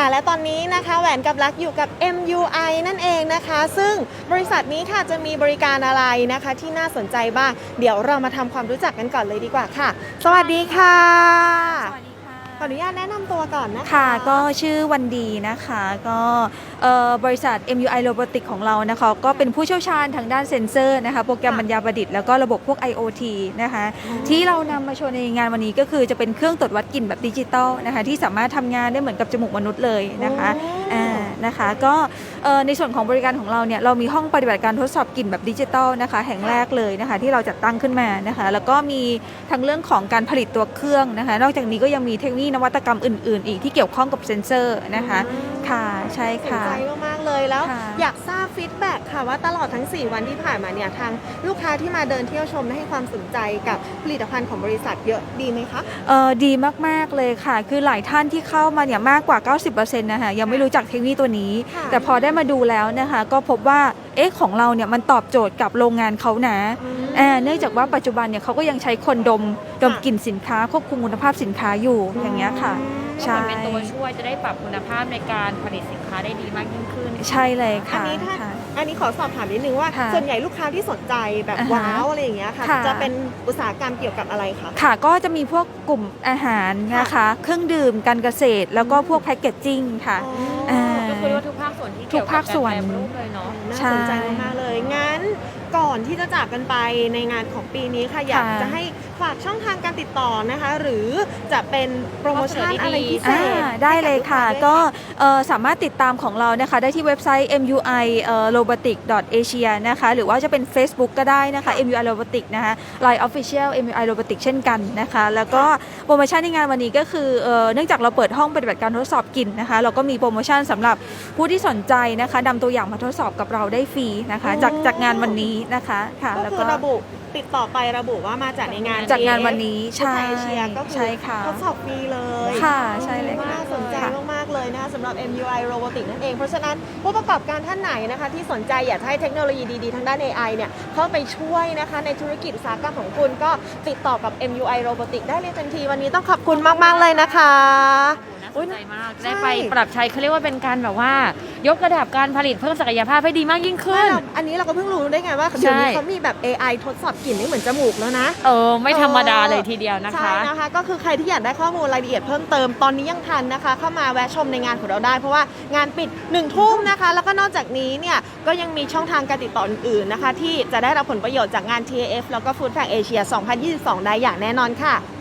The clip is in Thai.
และตอนนี้นะคะแหวนกับลักอยู่กับ MUI นั่นเองนะคะซึ่งบริษัทนี้ค่ะจะมีบริการอะไรนะคะที่น่าสนใจบ้างเดี๋ยวเรามาทำความรู้จักกันก่อนเลยดีกว่าค่ะสวัสดีค่ะสวัสดีค่ะขออนุญาตแนะนำตัวก่อนนะคะค่ะก็ชื่อวันดีนะคะก็บริษัท MUI Robotics ของเรานะคะก็เป็นผู้เชี่ยวชาญทางด้านเซ็นเซอร์นะคะโปรแกรมปัญญาประดิษฐ์แล้วก็ระบบพวก IoT นะคะที่เรานำมาโชว์ในงานวันนี้ก็คือจะเป็นเครื่องตรวจวัดกลิ่นแบบดิจิตอลนะคะที่สามารถทำงานได้เหมือนกับจมูกมนุษย์เลยนะคะนะคะก็ในส่วนของบริการของเราเนี่ยเรามีห้องปฏิบัติการทดสอบกลิ่นแบบดิจิตอลนะคะแห่งแรกเลยนะคะที่เราจัดตั้งขึ้นมานะคะแล้วก็มีทั้งเรื่องของการผลิตตัวเครื่องนะคะนอกจากนี้ก็ยังมีเทคโนโลยีนวัตกรรมอื่นๆอีกที่เกี่ยวข้องกับเซ็นเซอร์นะคะค่ะใช่ค่ะสนใจมากๆเลยแล้วอยากทราบฟีดแบ็กค่ะว่าตลอดทั้ง4วันที่ผ่านมาเนี่ยทางลูกค้าที่มาเดินเที่ยวชมให้ความสนใจกับผลิตภัณฑ์ของบริษัทเยอะดีไหมคะดีมากๆเลยค่ะคือหลายท่านที่เข้ามาเนี่ยมากกว่า 90% นะคะยังไม่รู้จักเทคโนโลยีตัวนี้แต่พอได้มาดูแล้วนะคะก็พบว่าของเราเนี่ยมันตอบโจทย์กับโรงงานเขานะเนื่องจากว่าปัจจุบันเนี่ยเขาก็ยังใช้คนดมกลิ่นสินค้าควบคุมคุณภาพสินค้าอยู่อย่างเงี้ยค่ะใช่เป็นตัวช่วยจะได้ปรับคุณภาพในการผลิตสินค้าได้ดีมากยิ่งขึ้นใช่เลยค่ะอันนี้ขอสอบถามนิดนึงว่าส่วนใหญ่ลูกค้าที่สนใจแบบว้าวอะไรอย่างเงี้ยค่ะจะเป็นอุตสาหกรรมเกี่ยวกับอะไรคะค่ะก็จะมีพวกกลุ่มอาหารนะคะเครื่องดื่มการเกษตรแล้วก็พวกแพคเกจจิ้งค่ะก็คือว่าทุกภาคส่วนที่เกี่ยวกับการแปรรูปเลยเนาะน่าสนใจมากเลยงั้นก่อนที่จะจากกันไปในงานของปีนี้ค่ะอยากจะให้ฝากช่องทางการติดต่อนะคะหรือจะเป็นโปรโมชั่นอะไรพิเศษได้เลยค่ะก็สามารถติดตามของเรานะคะได้ที่เว็บไซต์ MUI Robotics Asia นะคะหรือว่าจะเป็น Facebook ก็ได้นะคะ MUI Robotics นะคะ Line Official MUI Robotics เช่นกันนะคะแล้วก็โปรโมชั่นในงานวันนี้ก็คือเนื่องจากเราเปิดห้องปฏิบัติการทดสอบกลิ่นนะคะเราก็มีโปรโมชั่นสำหรับผู้ที่สนใจนะคะนำตัวอย่างมาทดสอบกับเราได้ฟรีนะคะจากงานวันนี้นะคะค่ะแล้วก็ระบุติดต่อไประบุว่ามาจากในงานจากงานวันนี้ใช่เอเชียก็คือทดสอบฟรีเลยค่ะใช่เลยน่าสนใจมากๆเลยนะคะสำหรับ MUI Robotics นั่นเองเพราะฉะนั้นผู้ประกอบการท่านไหนนะคะที่สนใจอยากให้เทคโนโลยีดีๆทางด้าน AI เนี่ยเข้าไปช่วยนะคะในธุรกิจอุตสาหกรรมของคุณก็ติดต่อกับ MUI Robotics ได้เลยทันทีวันนี้ต้องขอบคุณมากๆเลยนะคะน่าสนใจมากได้ไปปรับใช้เขาเรียกว่าเป็นการแบบว่ายกระดับการผลิตเพิ่มศักยภาพให้ดีมากยิ่งขึ้นอันนี้เราก็เพิ่งรู้ได้ไงว่าเดี๋ยวนี้เขามีแบบ AI ทดสอบกลิ่นได้เหมือนจมูกแล้วนะไม่ธรรมดาเลยทีเดียวนะคะใช่นะคะก็คือใครที่อยากได้ข้อมูลรายละเอียดเพิ่มเติมตอนนี้ยังทันนะคะเข้ามาแวะชมในงานของเราได้เพราะว่างานปิด1 ทุ่มนะคะแล้วก็นอกจากนี้เนี่ยก็ยังมีช่องทางการติดต่ออื่นๆนะคะที่จะได้รับผลประโยชน์จากงาน TAF แล้วก็ Food Fair Asia 2022 ได้อย่างแน่นอนค่ะ